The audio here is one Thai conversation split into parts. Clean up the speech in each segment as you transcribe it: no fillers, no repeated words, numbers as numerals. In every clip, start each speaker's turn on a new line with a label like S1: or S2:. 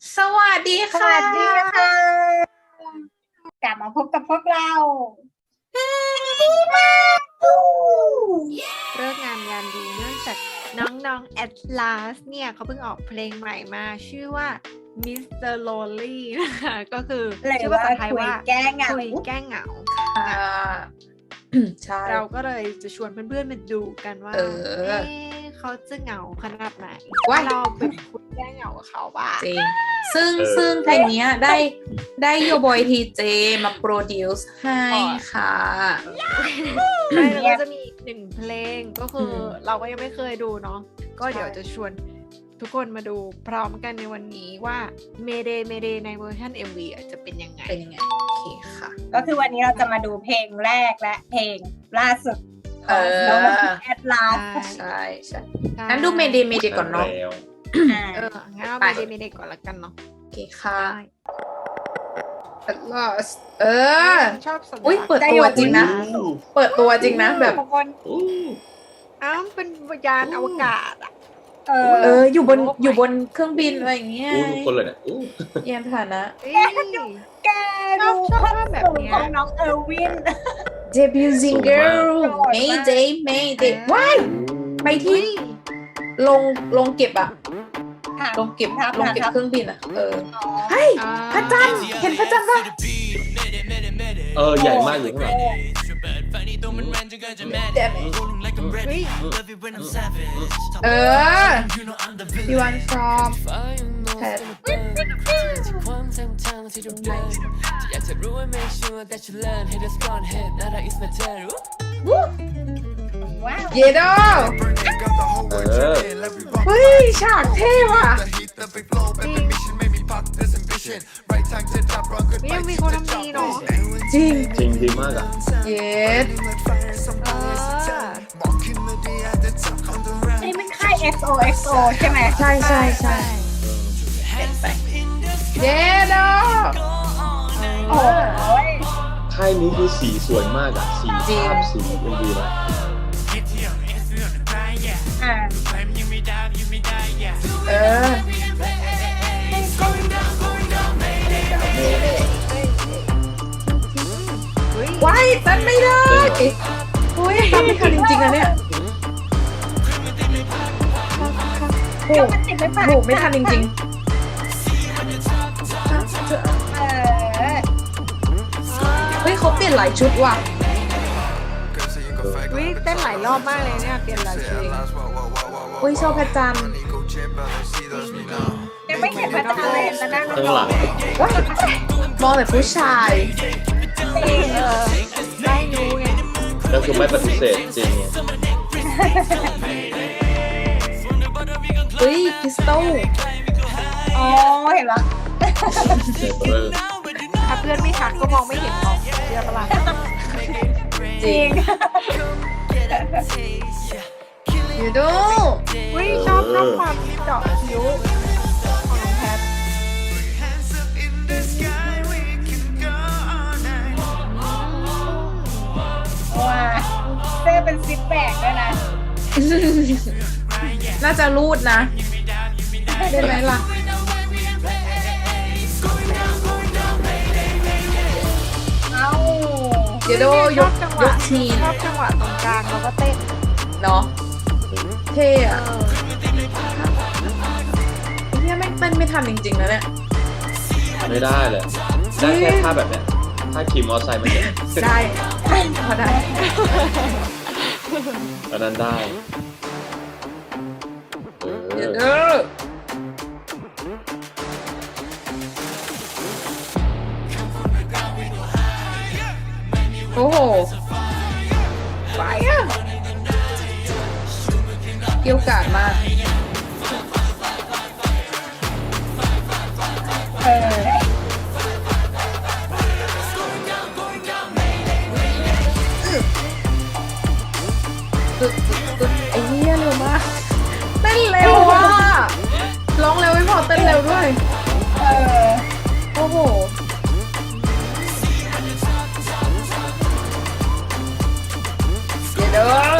S1: สวัสดี
S2: ส
S1: ค่ะ
S2: วัสดีค่ะกลับมาพบกับพวกเรา
S3: เลิกงามยามดีเนื่องจากน้องแอตลาสเนี่ยเขาเพิ่งออกเพลงใหม่มาชื่อว่า Mr. Lonely นะคะก็คือ
S2: เลย
S3: ชื่อ
S2: ว่า
S3: ภาษาไทย
S2: คุย
S3: ว่า
S2: แก้เหงา
S3: คุยแก้เหงา
S1: อ่า ใช่
S3: เราก็เลยจะชวนเพื่อนๆมาดูกันว่า
S1: เออ
S3: เขาจะเหงาขนาดไหน
S1: ว้าย
S3: เราเป็นคุยแก้เหงากับเขาบ้าง
S1: จริงซึ่งเพลงเนี้ยได้โยบอยทีเจมาโปรดิวซ์ให้ค่ะ
S3: ใช่แล้วก็จะมีอีกหนึ่งเพลงก็คืออ
S1: ม
S3: เราก็ยังไม่เคยดูเนาะก็เดี๋ยวจะชวนทุกคนมาดูพร้อมกันในวันนี้ว่าเมเดในเวอร์ชัน MV อ่ะจะเป็นยังไง
S1: เป็นยังไง โอเคค่ะ
S2: ก็คือวันนี้เราจะมาดูเพลงแรกและเพลงล่าสุดข
S1: เอ
S2: อง
S1: อ
S2: น้องแอดลาส
S1: ใช่งั้นดูเมเดก่อนเนาะ
S4: แล้ว
S3: งั้นเรา
S1: ไป
S3: เมเดก่อนละกันเนาะ
S1: โอเคค่ะ
S3: ได้
S1: At last เออ
S3: ชอบสัญ
S1: อุ้ย
S3: ลักษณ์
S1: เปิดตัวจริงนะ เปิดตัวจริงนะแบบ
S2: ทุกคน
S4: อู้
S3: อ้าวเป็นยานอวกาศอ่ะ
S1: อยู่บนเครื่องบินอะไรอย่างเงี้ย
S4: อู้ทุกคนเลยเนี่ยอู้
S1: ยานพาหนะ
S3: เอ้ย
S2: แกดู
S3: ชอบ
S2: ความ
S3: แบบ
S2: สูง
S3: เนี้ย
S2: ของน้องเออร์วิน
S1: Debuting girl
S2: สูงมาก
S1: Mayday ว้ายไปที่ลงเก็บอะลงเก็บเครื่องบินอะเฮ้ยพระจันทร์เห็นพระจันทร์ปะ
S4: ใหญ่มากอยู่ข้างหลัง
S3: เฮ้ย
S1: เออ You want from Pet
S2: ว้าว
S1: เยโด เฮ้ยฉากเท่ว่ะ
S3: นี่ยังมีคนทำดีเนาะ
S1: จริง
S4: จริงดีมากอ่ะ
S1: เย็ด
S2: นี่มันค่าย XOXO ใช่ไหม
S1: ใช่เยโด
S2: โอ้ย
S4: ค่ายนี้คือสีสวยมากอ่ะ สี
S1: จริง
S4: ภาพสีมันดีนะ
S2: อ่า
S1: เออ
S3: เฮ้ย
S1: ว้ายเต้นไม่ได้โอ้ยทำไม่ทันจริงๆนะเนี่ยโห
S2: ก็มันติดไม่ผ่าน
S1: โหไม่ทันจริง
S2: เออ
S1: ๆ เฮ้ยเขาเปลี่ยนหลายชุดว่ะ
S3: เฮ้ยเต้นหลายรอบมากเลยเนี่ยเปลี่ยนหลายเพลง
S1: เฮ้ยชอบพระจันทร์
S2: ยังไม่เห็นพระจันทร์เลยแล้วนั่ง
S4: ข้างหลัง
S1: ว้ายมองแต่ผู้ชาย
S3: ได้รู้ไง
S4: ก็คือไม่ปฏิเสธจริง
S1: เฮ้ยคริสตัล
S2: อ๋อเห็นแล้ว
S4: เออ
S3: ถ้าเพื่อนไม่ทักก็มองไม่เห็นหรอกเชื่อปะล่ะ
S1: จริงอยู่ดู
S3: เฮ้ยชอบความเจาะคิ้วของน้องแพท
S2: ว้าเสื้อเป็นซิปแบกด้วยนะ
S1: น่าจะรูดนะได้ไหมล่ะ
S2: เอ้า
S1: เดี๋ยวดูยก
S3: จังห
S1: ยว
S3: ะ
S1: กทีน
S3: ชอบจังหวะตรงกลางแล้วก็เต้น
S1: เนาะเท่
S3: เอ
S1: อะ
S3: อ
S1: เนี่ยไม่เต้นไม่ทันจริงๆนะเนี่ย
S4: ไม่ได้เลย ได้แค่ท่าแบบเนี้ยท่าขี่มอเตอร์ไซค์มันเนี่ย
S1: ได้พอได้
S4: อันนั้นได้
S1: เดี๋ยว
S4: เอ
S1: เด้
S4: อ
S1: อโอ้โหไปอ่ะเกี่ยวกาดมาก
S2: เออ
S1: ตึกไอ้เหี้ยเร็วมากเต้นเร็วอ่ะร้องเร็วไม่พอเต้นเร็วด้วย
S2: เออ
S1: โอ้โหเดี๋ยวเด้อ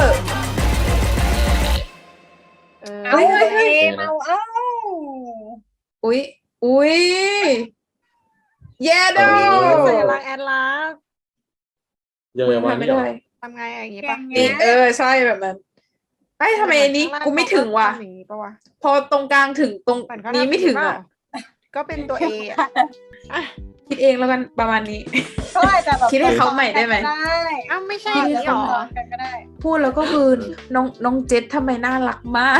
S3: เออ
S2: เอา
S1: เฮ้ย
S2: เอา
S1: อุ๊ยอุ้ยเย้ดอ
S3: สัญลักษณ์แอดลาส
S4: ยังไงวะ
S1: ไม่
S4: เนี่ย
S1: ได้
S3: ทำไงอย่างงี้ปะ
S1: นี่ใช่แบบนั้นไอ้ทำไมอันนี้กูไม่ถึงว่ะ
S3: ทำอย่างงี้ปะวะ
S1: พอตรงกลางถึงตรง
S3: เหมือนเขา
S1: นี้
S3: ทำ
S1: ไม่ถึงอ่ะ
S3: ก็เป็นตัว A อ่ะ
S1: คิดเองแล้วกันประมาณนี้
S2: ก็อาจจะแบบ
S1: คิดให้เขาใหม่ได้ไหม
S2: ได้
S3: อ้าวไม่ใช่
S1: คิ
S3: อ
S1: ด
S3: ย่าง
S1: ให้
S3: นี้หร
S1: เขา
S3: อ
S2: ซ้อนกันก็ได้
S1: พูดแล้วก็คือน้องเจษทำไมน่ารักมาก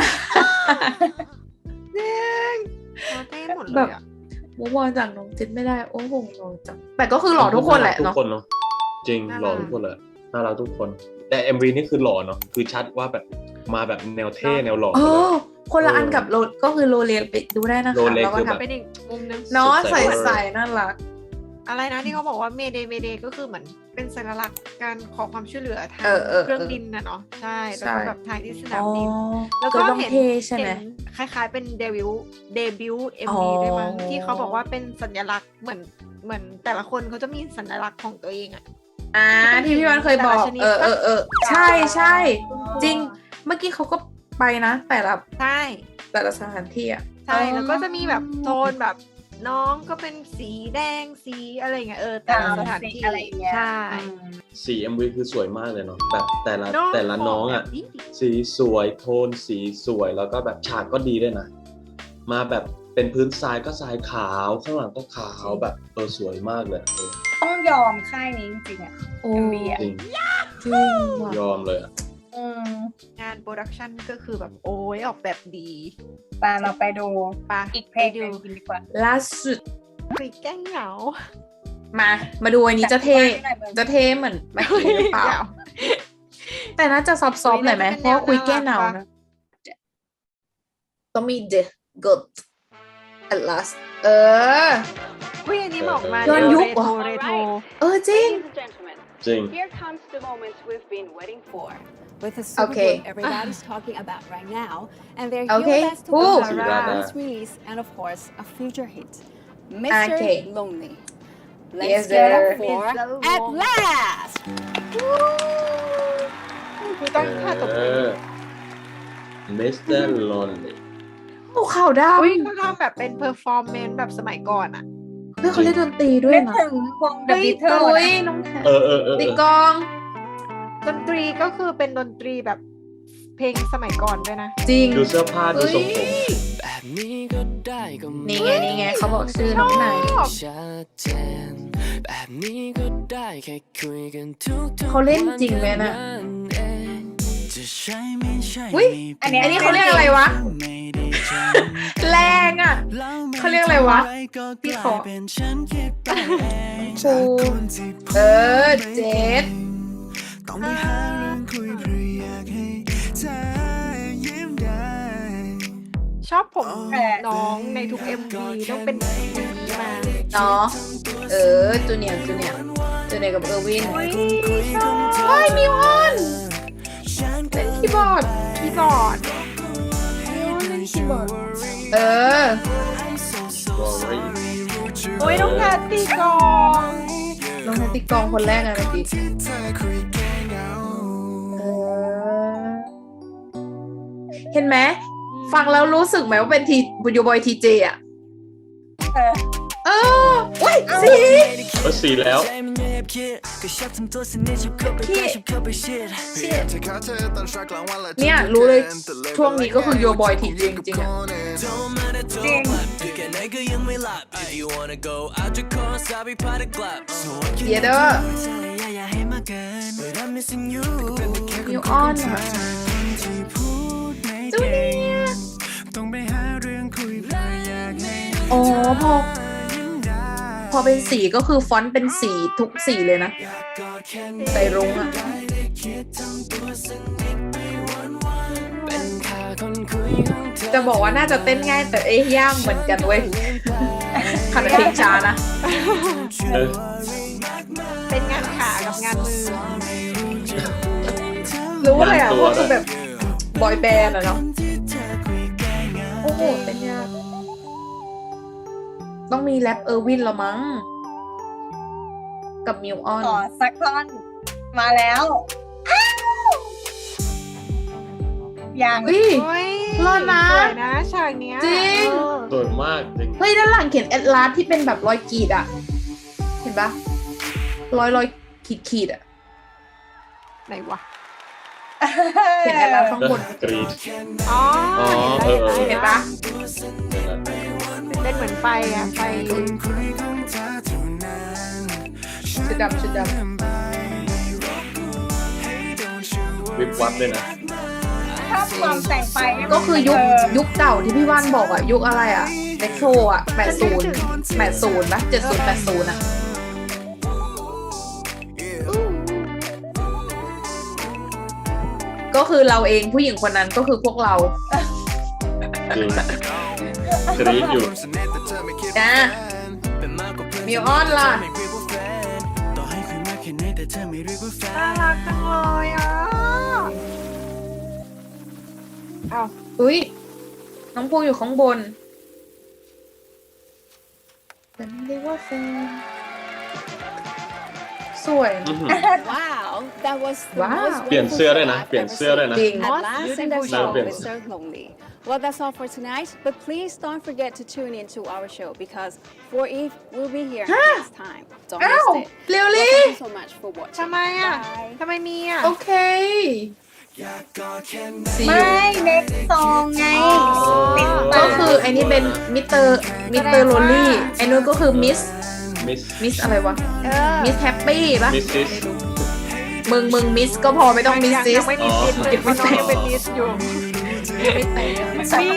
S3: เราเต้หมดเล
S1: แบ
S3: ย
S1: บ
S3: อ่ะ
S1: มูฟออนจากน้องเจษไม่ได้โอ้โหหล่อจังแต่ก็คือหล่อทุกคนแหละ
S4: ทุก
S1: เนาะ
S4: คนเนาะจริงหล่อทุกคนเลยน่ารักทุกคน แต่ MV นี่คือหล่อเนาะคือชัดว่าแบบมาแบบแนวเท่แนวหล่อ
S1: เอ
S4: เลย
S1: อคนละอันกับโรก็คือโรเลไปดูได้นะคะ
S4: โรเล
S1: แล้วก็
S4: คือแบบ
S1: ทำ
S3: เป็นอีกมุมนึง
S1: เนาะ
S4: สดใส
S1: ใส่น่ารัก
S3: อะไรนะที่เขาบอกว่าเมเดเมเดก็คือเหมือนเป็นสัญลักษณ์การขอความช่วยเหลือทาง เครื่องบินนะเนาะใช่แล้วก็แบบทางที่สนามบิน แล้วก็
S1: ต้อง
S3: เห็น
S1: เท่ใช่ไหม
S3: เห็นคล้ายๆเป็นเดบิวต์
S1: อ๋
S3: MV
S1: อ
S3: ด้วยมั้งที่เขาบอกว่าเป็นสัญลักษณ์เหมือนแต่ละคนเขาจะมีสัญลักษณ์ของตัวเองอะ
S1: ที่พี่วันเคยบอก
S3: แต่ละชนิด
S1: ใช่จริงเมื่อกี้เขาก็ไปนะ แต่ละ
S3: ใช่
S1: แต่ละสถานที่อ่ะ
S3: ใช่แล้วก็จะมีแบบโทนแบบน้องก็เป็นสีแดงสีอะไรเงี้ยแต่ละสถานที่
S2: อะไรอย่างเงี้ย
S3: ใช่
S4: สี MV คือสวยมากเลยเนาะแบบแต่ละ
S3: เนอะ
S4: แต่ละน้องอ่ะ
S3: แบบนี้
S4: สีสวยโทนสีสวยแล้วก็แบบฉากก็ดีด้วยนะ มาแบบเป็นพื้นทรายก็ทรายขาวข้างหลังก็ขาวแบบสวยมากเลย
S2: ต้องยอมค่ายนี้จริงๆอ่ะ
S1: โอ้
S2: MV อ่ะ
S4: จริง
S1: จริงว่ะ
S4: ยอมเลยอ่ะ
S3: งานโปรดักชันก็คือแบบโอ้ยออกแบบดี
S2: ตาเราไปดู
S3: ปะ
S2: อีกเพลงหนึ่งกันดีกว่า
S1: ล่าสุด
S3: คุยแกล้งเหงา
S1: มาดูอันนี้จะเท่เหมือนเมื่อกี้หรือเปล่า แต่น่าจะซอฟต์ๆหน่อยไหมเพราะว่าคุยแก้หนาวนะต้องมี The Good at last
S3: อุ้ยอันนี้บอกมา
S1: ย้อนยุคเหรอ
S3: เรโทร
S1: จริง
S5: Ladies and gentlemen,
S4: จริง
S5: here comes the moment we've been waiting for.
S6: With the super
S1: Okay.
S6: group everybody's talking about right now, and they're
S1: Okay.
S6: here with us to
S1: Ooh.
S6: talk
S4: Sirada.
S6: about this release and of course a future hit, Mr.
S1: Okay.
S6: Lonely. Let's
S1: Yes,
S6: get
S1: sir.
S6: up for
S3: Mr.
S6: At
S3: Lonely.
S6: Last.
S3: คือต้องท่าตบมือ
S4: Mr. Lonely
S1: โอ้ข่าวด
S3: อุ้ยเขาทำแบบเป็นเพอร์ฟอร์แมนซ์แบบสมัยก่อนอะ
S1: ำเพื่อเขาเล่นดนตรีด้วย
S2: เล่น
S1: นะ
S2: ถึงวง The
S1: ตุ้
S2: Beatles
S1: ย
S2: นะ
S1: น้องแทน
S4: เออ
S1: ตีกลอง
S3: ดนตรีก็คือเป็นดนตรีแบบเพลงสมัยก่อนด้วยนะ
S1: จริง
S4: ดูเสื้อผ้าดูทรงผม
S7: แบบนี้ก็ได้ก็ไม่
S1: นี่ไงเขาบอกชื่อน้องไหน
S7: ชัดเจนแบบนี้ก็ได้แค่คุยกันทุกๆ
S1: เขาเล่นจริงไหมน่ะ
S7: วันเองจะใช่ไม่ใช่
S1: อุ๊ย
S2: อันเนี้ย
S1: อันนี้เขาเรียกอะไรวะ
S7: ไม่ได้จ
S1: แรงอ่ะ
S7: ำ
S1: เขาเรียกอะไรวะพี่ขอ
S7: เป็นฉันคิดไปเอง
S1: ครูเจษ
S7: ต้องไปหาเรื่องคุยเพื่ออยากให้เธอยิ้มได้
S3: ชอบผมน้องในทุก MV ต้องเป็นสีมา
S1: เนาะจูเนียร์กับเออร์วิน
S3: อุ้ยชอบ
S1: เฮ้ยมิวออนเล่นคีย์บอร์ด
S3: คีย์บอร์ด
S1: เล่นคีย์บอร์ด
S4: Worry
S3: โอ้ยน้องแพทตีกลอง
S1: น้องแพตติกองคนแรกอะเมื่อกี้เห็นไหมฟังแล้วรู้สึกไหมว่าเป็นทีบุญโยบอยทีเจอะ
S2: เออ
S1: ว้ยสี
S4: สีแล้ว
S1: เนี่ยรู้เลยช่วงนี้ก็คือโยบอยทีเจจริงๆอะ
S2: จริง
S1: เยเดอร์มิวออนอะจูเนียร์อ๋อพอเป็นสีก็คือฟอนต์เป็นสีทุกสีเลยนะใส่รุ้งอะจะบอกว่าน่าจะเต้นง่ายแต่ยากเหมือนกันเว้ยขัดเพลงช้านะ
S3: เป็นงานขากับงานมือ
S1: รู้เลยอ่ะว่าคือแบบบอยแบนด์อะเนาะโอ้โหเต้นยากต้องมีแรปเออร์วินละมั้งกับมิวออน
S2: ขอสักท่อนมาแล้วอ้าวยัง
S1: อุ้ย
S3: โอ้ย
S1: รอดนะ
S3: สวยนะฉากเนี้ย
S1: จริง
S4: สวยมากจริง
S1: เฮ้ยด้านหลังเขียนแอดลาสที่เป็นแบบรอยขีดอ่ะ เห็นปะรอยขีดอ่ะ
S3: ไหนวะ
S1: เขียนแอดลาสข้างบน
S4: กรีด
S3: อ๋อ
S4: อ๋อ
S1: เห็นปะ
S3: เป็นเหมือนไฟอะไฟ
S1: ชุดดำ
S4: วิบวับเลยนะ
S2: ชอบความแต่งไปให้มัน
S1: ก็คือยุค
S2: เออ
S1: ยุคเก่าที่พี่ว่านบอกอ่ะ ยุคอะไรอ่ะเด็กโทรอ่ะ80ปะ70 80อ่ะ ก็คือเราเองผู้หญิงคนนั้นก็คือพวกเรา
S4: จริงกรีดอยู่
S1: นะมิวออนล่ะ
S3: น่ารักจังเลยอ่ะเอา
S1: อุ้ยน้องภูอยู่ข้างบนแต่ไม่เรียกว่าแฟนสวย
S6: Wow, that was the
S1: Wow.
S6: most
S4: เปลี่ยน
S6: beautiful
S4: เสื้อด้วย
S6: show
S4: นะ
S6: I've
S4: เปลี่ยน
S6: ever
S4: เสื้อด้วยนะ
S1: จริง
S6: At last, and that's
S4: Beautiful
S6: all
S4: show.
S6: with Sir Lonely. Well, that's all for tonight, but please don't forget to tune in to our show because For Eve will be here next time. Don't
S1: อ้าว
S6: miss it.
S1: เร็ว
S6: Well,
S1: ลี่
S6: thank you so much for watching.
S3: ทำไมอ่ะ
S6: Bye.
S3: ทำไมมีอ่ะ
S1: โอเค See
S2: ไม่
S1: you
S2: เน็กซองไงติด
S1: ก็
S2: ตาม
S1: คือไอ้นี่เป็นมิสเตอร์โรลลี่ไอ้นู้นก็คือมิส
S4: มิส
S1: อะไรวะ
S3: เออ
S1: มิสแฮปปี้ปะ
S4: มิสซิส
S1: มึงมิสก็พอไม่ต้องมิสซิ
S3: ยั
S1: ส
S3: งไม่มีซิสเลยเพราะน้องยังเป็นมิสอยู่
S1: ไม่แต่ง
S3: นี่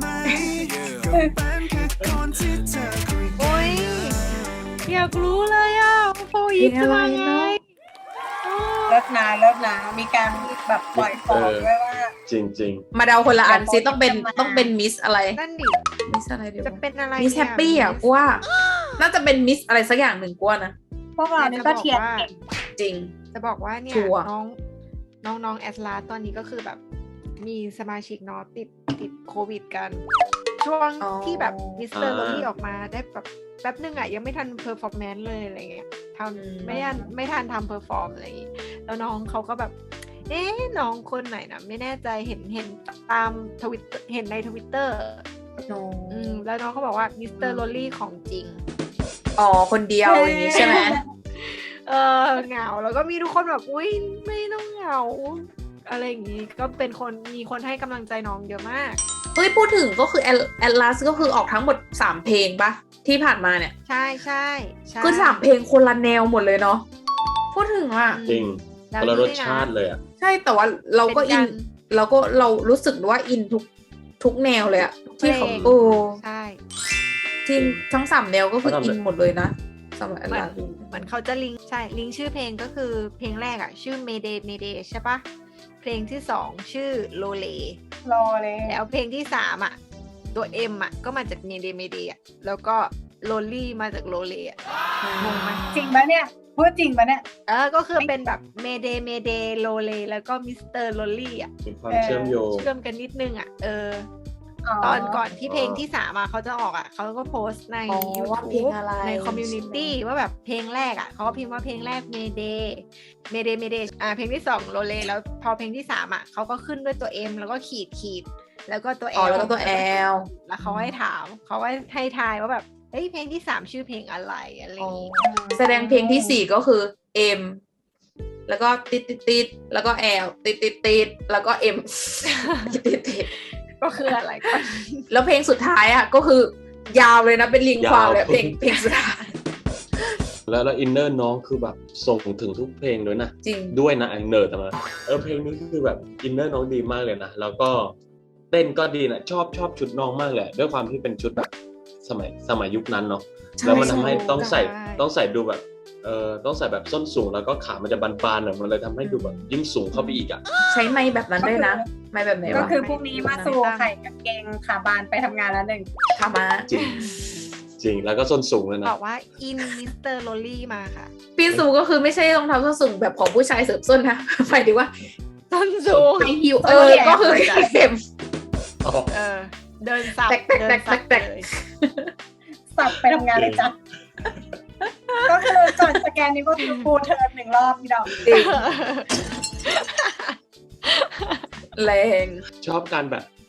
S3: โอ้ยอยากรู้เลยอ่ะโฟอีฟจะมาไง
S2: เลิกนะมีการแบบปล่อยฟองด้วยว่า
S4: จริงจริง
S1: มาเดาคนละอันซิต้องเป็นมิสอะไร
S3: นั่นดิ
S1: มิสอะไรเดี๋ยว
S3: จะเป็นอะไร
S1: มิสแฮปปี้อ่ะกูว่า น่าจะเป็นมิสอะไรสักอย่างหนึ่งกูว่านะ
S2: พวกเรานี่ก็เทียนเก่ง
S1: จริง
S3: จะบอกว่าเนี่ย
S1: ชัวร์
S3: น้องแอสลาตอนนี้ก็คือแบบมีสมาชิกเนาะติดโควิดกัน ช่วงที่แบบมิสเตอร์โรลี่ออกมาได้แบบแป๊บนึงอ่ะยังไม่ทันเพอร์ฟอร์แมนซ์เลยอะไรเงี้ยทำไม่ทันทำเพอร์ฟอร์มอะไรอย่างงี้แล้วน้องเขาก็แบบน้องคนไหนนะไม่แน่ใจเห็นตามทวิตเห็นในทวิตเตอร์แล้วน้องเขาบอกว่ามิสเตอร์โรลี่ของจริง
S1: อ๋อคนเดียวอย่างนี้ใช่ไหม
S3: เหงาแล้วก็มีทุกคนแบบอุ้ยไม่ต้องเหงาอะไรอย่างงี้ก็เป็นคนมีคนให้กำลังใจน้องเยอะมาก
S1: เฮ้ยพูดถึงก็คือแอดลาสก็คือออกทั้งหมด3เพลงปะที่ผ่านมาเนี่ย
S3: ใช่
S1: คือ3เพลงคนละแนวหมดเลยเนาะพูดถึงอ่ะ
S4: จริงคนละรสชาติเลยอ่ะ
S1: ใช่แต่ว่าเราก็อินเรารู้สึกว่าอินทุกแนวเลยอะที่เขา
S3: ใช่
S1: จริงทั้ง3แนวก็คืออินหมดเลยนะสำหรับแอดลาส
S3: เหมือนเขาจะลิงก์ชื่อเพลงก็คือเพลงแรกอะชื่อ Mayday ใช่ปะเพลงที่2ชื่อ Lole
S2: รอเลย
S3: แล้วเพลงที่3อะตัว M อะก็มาจาก Mayday อะแล้วก็ Lonely มาจาก Lole อะงงไหม
S2: จริงปะเนี่ยพูดจริงปะเนี่ย
S3: ก็คือเป็นแบบ Mayday Lole แล้วก็ Mr. Lonely อะ
S4: มีความเชื่อมโยง
S3: เชื่อมกันนิดนึงอะตอนก่อนที่เพลงที่3อะเขาจะออกอะเขาก็โพสต์ใน
S1: ว่าเพลง
S3: YouTube
S1: อะไร
S3: ในคอมมูนิตี้ว่าแบบเพลงแรกอะเขาก็พิมพ์ว่าเพลงแรก Mayday เพลงที่2 Lole แล้วพอเพลงที่3อะเขาก็ขึ้นด้วยตัว M แล้วก็ขีดแล้วก็ตัว L
S1: แล้วก็ตัว L
S3: แล้วเขาให้ถามเขาให้ทายว่าแบบเฮ้ยเพลงที่3ชื่อเพลงอะไรอะไรอย่างงี้
S1: แสดงเพลงที่4ก็คือ M แล้วก็ติดแล้วก็ L ติดแล้วก็ M ติด
S3: ก็คืออะไรก่อน
S1: แล้วเพลงสุดท้ายอ่ะก็คือยาวเลยนะเป็นลิงความเลยเพลงสุดท้าย
S4: แล้วอินเนอร์น้องคือแบบส่งถึงทุกเพลงด้วยนะ
S1: จริง
S4: ด้วยนะไอเนอร์แต่มาเพลงนี้คือแบบอินเนอร์น้องดีมากเลยนะแล้วก็เต้นก็ดีนะชอบชุดน้องมากเลยด้วยความที่เป็นชุดแบบสมัยยุคนั้นเนาะแล้วมันทำให้ต้องใส่ดูแบบต้องใส่แบบส้นสูงแล้วก็ขามันจะบานๆหน่อยมันเลยทำให้ดูแบบยิ่งสูงเข้าไปอีกอ่ะ
S1: ใช้ไม้แบบนั้นด้วยนะไม้แบบไหน
S2: ก็
S1: วะ
S2: คือพรุ่งนี้มาสู่ไข่กับเกงขาบานไปทำงานแล้วหนึ่ง
S1: ขามา
S4: จริงแล้วก็ส้นสูงเลยนะ
S3: บอกว่าอินมิสเตอร์โรลี่มาค่ะ
S1: พี่สูก็คือไม่ใช่รองเท้าส้นสูงแบบของผู้ชายเสริมส้นนะหมายถึงว่า
S3: ส้นสูง
S1: ไฮฮิวก็คือเข็ม
S3: เดินสับ
S1: แตก
S3: เลย
S2: สับไปทำงานเลยจ้ะก็คือก่อนสแกนนี้ก็คือฟูลเทิร์น1 รอบพี่ดอก
S1: จริงแรง
S4: ชอบการแบบ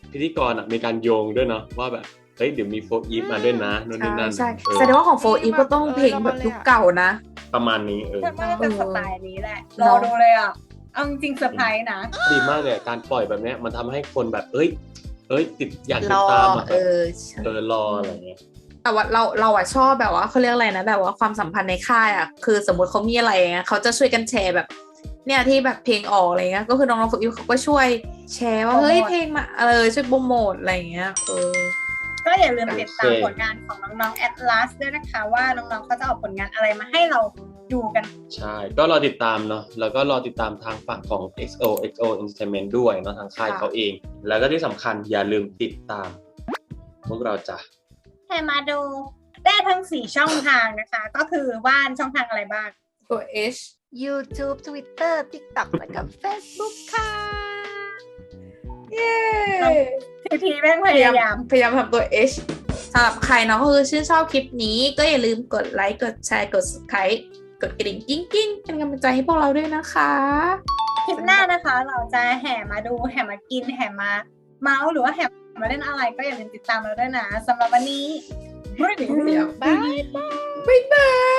S4: พิธีกรมีการโยงด้วยเนาะว่าแบบเฮ้ยเดี๋ยวมีโฟร์อีฟมาด้วยนะนู่นนี่นั่น
S1: ใช่แสดงว่าของโฟอีฟก็ต้องเพลงแบบยุคเก่านะ
S4: ประมาณนี้
S2: ฉันว่าเป็นสไตล์นี้แหละรอดูเลยอ่ะเอาจริงเซอร์ไพรส์นะ
S4: ดีมากเลยการปล่อยแบบเนี้ยมันทำให้คนแบบเอ้ยติดอยากติดตามอ่ะรออะไรเงี้ย
S1: แต่ว่าเราอะชอบแบบว่าเขาเรียกอะไรนะแบบว่าความสัมพันธ์ในค่ายอะคือสมมติเขามีอะไรเงี้ยเขาจะช่วยกันแชร์แบบเนี่ยที่แบบเพลงออกอะไรเงี้ยก็คือน้องๆฝึกอยู่เขาก็ช่วยแชร์ว่าเฮ้ยเพลงมาช่วยโปรโมทอะไรเงี้ย
S2: ก็อย่าลืมติดตามผลงานของน้องๆ Atlas ด้วยนะคะว่าน้องๆเขาจะเอาผลงานอะไรมาให้เราดูกัน
S4: ใช่ก็รอติดตามเนาะแล้วก็รอติดตามทางฝั่งของ XOXO Entertainment ด้วยเนาะทางค่ายเขาเองแล้วก็ที่สำคัญอย่าลืมติดตามพวกเราจ้ะ
S2: ให้มาดูได้ทั้ง4ช่องทางนะคะก็คือว่านช่องทางอะไรบ้าง
S1: ตัว H
S3: YouTube Twitter TikTok แล้วก็ Facebook ค่ะ
S1: เย้
S2: ทีแม่งพยายาม
S1: ทำตัว H สำหรับใครเนาะก็คือชื่นชอบคลิปนี้ก็อย่าลืมกดไลค์กดแชร์กด Subscribe กดกระดิ่งกิ้งเป็นกำลังใจให้พวกเราด้วยนะคะ
S2: คลิปหน้านะคะเราจะแห่มาดูแห่มากินแห่มาเมาส์หรือว่าแห่มาเล่นอะไรก็อย่าลืมติดตามเราด้วยนะสำหรับวันนี้
S1: บ๊ายบาย